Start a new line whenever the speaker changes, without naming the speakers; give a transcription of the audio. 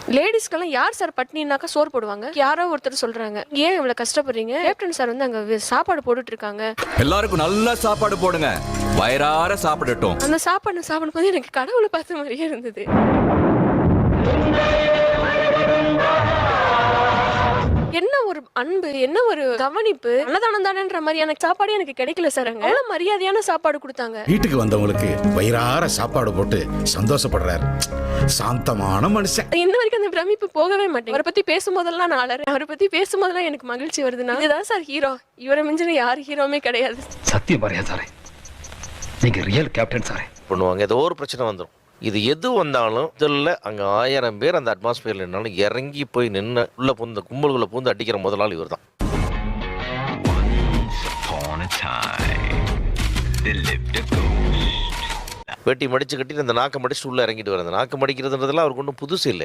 லேடிஸ்க்கெல்லாம் யார் சார் பட்னினாக்கா சோறு போடுவாங்க? யாரோ ஒருத்தர் சொல்றாங்க, ஏன் இவ்வளவு கஷ்டப்படுறீங்க? கேப்டன் சார் வந்து அங்க சாப்பாடு போட்டுட்டு இருக்காங்க.
எல்லாருக்கும் நல்ல சாப்பாடு போடுங்க, வயிறார சாப்பிடட்டும்.
அந்த சாப்பிடும்போது எனக்கு கடவுளை பார்த்த மாதிரியே இருந்தது. என்ன ஒரு அன்பு, என்ன ஒரு கவனிப்பு. அன்னதானம் தானேன்ற மாதிரியான சாப்பாடு எனக்கு கிடைக்கல சார். அங்க அவ்வளவு மரியாதையான சாப்பாடு கொடுத்தாங்க.
வீட்டுக்கு வந்தவங்களுக்கு வயிறார சாப்பாடு போட்டு சந்தோஷப்படுறாரு. சாந்தமான மனுஷன்.
இன்ன வரைக்கும் அந்த பிரமிப்பு போகவே மாட்டேன். அவரை பத்தி பேசும்போதெல்லாம் நான் அலறேன். அவரை பத்தி பேசும்போதெல்லாம் எனக்கு மகிழ்ச்சி வருதுன்னா, இதுதான் சார் ஹீரோ. இவரை மிஞ்சின யார் ஹீரோமே கிடையாது.
சத்தியம் பாரியா சாரே, நீங்க ரியல் கேப்டன் சாரே.
பண்ணுவாங்க, ஏதோ ஒரு பிரச்சனை வந்துடும். இது எது வந்தாலும் இதில் அங்கே 1000 பேர் அந்த அட்மாஸ்பியரில் நின்னாலும் இறங்கி போய் நின்று உள்ள பூந்து கும்பல்குள்ளே பூந்து அடிக்கிற முதலாளி இவர் தான். வேட்டி மடிச்சு கட்டி அந்த நாக்கை மடிச்சுட்டு உள்ளே இறங்கிட்டு வர, அந்த நாக்கு மடிக்கிறதுன்றதுலாம் அவருக்கு ஒன்றும் புதுசு இல்லை.